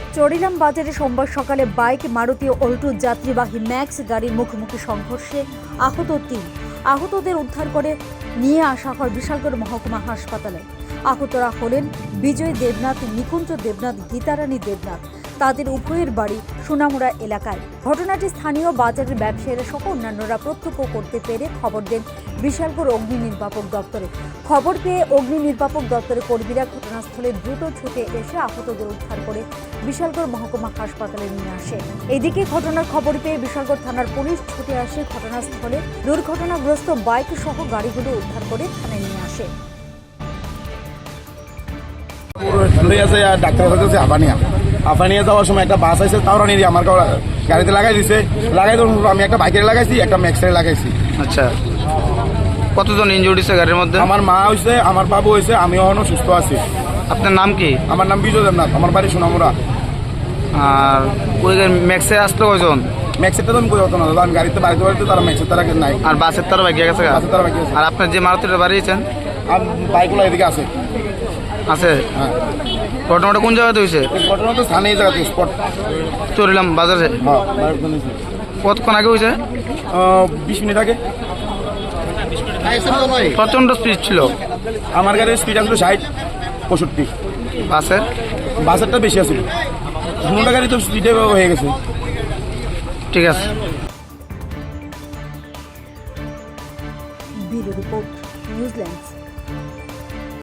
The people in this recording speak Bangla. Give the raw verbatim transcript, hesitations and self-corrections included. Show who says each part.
Speaker 1: চরিলাম বাজারে সোমবার সকালে বাইক মারুতি অল্টো যাত্রীবাহী ম্যাক্স গাড়ির মুখোমুখি সংঘর্ষে আহত তিন আহতদের উদ্ধার করে নিয়ে আসা হয় বিশালগড় মহকুমা হাসপাতালে। আহতরা হলেন বিজয় দেবনাথ, নিকুঞ্জ দেবনাথ, গীতারানী দেবনাথ। তাদের উভয়ের বাড়ি সোনামুড়া এলাকায়। ঘটনাটি স্থানীয় বাজারের ব্যবসায়ীরা সহ অন্যান্যরা প্রত্যক্ষ করতে পেরে খবর দেন বিশালগড় অগ্নি নির্বাপক দপ্তরে। খবর পেয়ে অগ্নি নির্বাপক দপ্তরের কর্মীরা ঘটনাস্থলে দ্রুত ছুটে এসে আহতদের উদ্ধার করে বিশালগড় মহকুমা হাসপাতালে নিয়ে আসে। এদিকে ঘটনার খবর পেয়ে বিশালগড় থানার পুলিশ ছুটে আসে ঘটনাস্থলে। দুর্ঘটনাগ্রস্ত বাইক সহ গাড়িগুলো উদ্ধার করে থানায় নিয়ে আসে।
Speaker 2: ডাক্তার কাছে আফানিয়া আফানিয়া যাওয়ার সময় একটা বাস আছে, তাও রানি আমার গাড়িতে লাগাই দিছে। লাগাই তো আমি একটা বাইকের লাগাইছি, একটা ম্যাক্সের লাগাইছি।
Speaker 3: আচ্ছা, কতজন ইনজুর্ড হয়েছে গাড়ির মধ্যে?
Speaker 2: আমার মা হয়েছে, আমার বাবু হয়েছে, আমি এখনো সুস্থ আছি।
Speaker 3: আপনার নাম কি?
Speaker 2: আমার নাম বিজয় দেবনাথ, আমার বাড়ি সোনামুড়া।
Speaker 3: আর ওই ম্যাক্সে আসলো কয়জন?
Speaker 2: ম্যাক্সেরটা তো আমি কোথাও না, আমি গাড়িতে বাড়িতে বাড়িতে তারা ম্যাক্সের তারা নাই।
Speaker 3: আর বাসের তারা বাকি গেছে?
Speaker 2: বাসের তারা বাকি আছে।
Speaker 3: আর আপনার যে মারুতিটা বাড়িয়েছেন
Speaker 2: আর বাইকগুলো এদিকে আছে
Speaker 3: আছে
Speaker 2: হ্যাঁ।
Speaker 3: ঘটনাটা কোন জায়গাতে হয়েছে?
Speaker 2: ঘটনা তো স্থানীয় জায়গাতে স্পট
Speaker 3: চলিলাম বাজারে।
Speaker 2: হ্যাঁ,
Speaker 3: কতক্ষণ আগে হয়েছে?
Speaker 2: বিশ মিনিট আগে।
Speaker 3: প্রচন্ড স্পিড ছিল।
Speaker 2: আমার গাড়ির স্পিড আসলো ষাট পঁয়ষট্টি।
Speaker 3: বাসের
Speaker 2: বাসেরটা বেশি আছে, দুটা গাড়ি তো স্পিডে হয়ে গেছে।
Speaker 3: ঠিক আছে।
Speaker 1: Bureau report, New Zealand.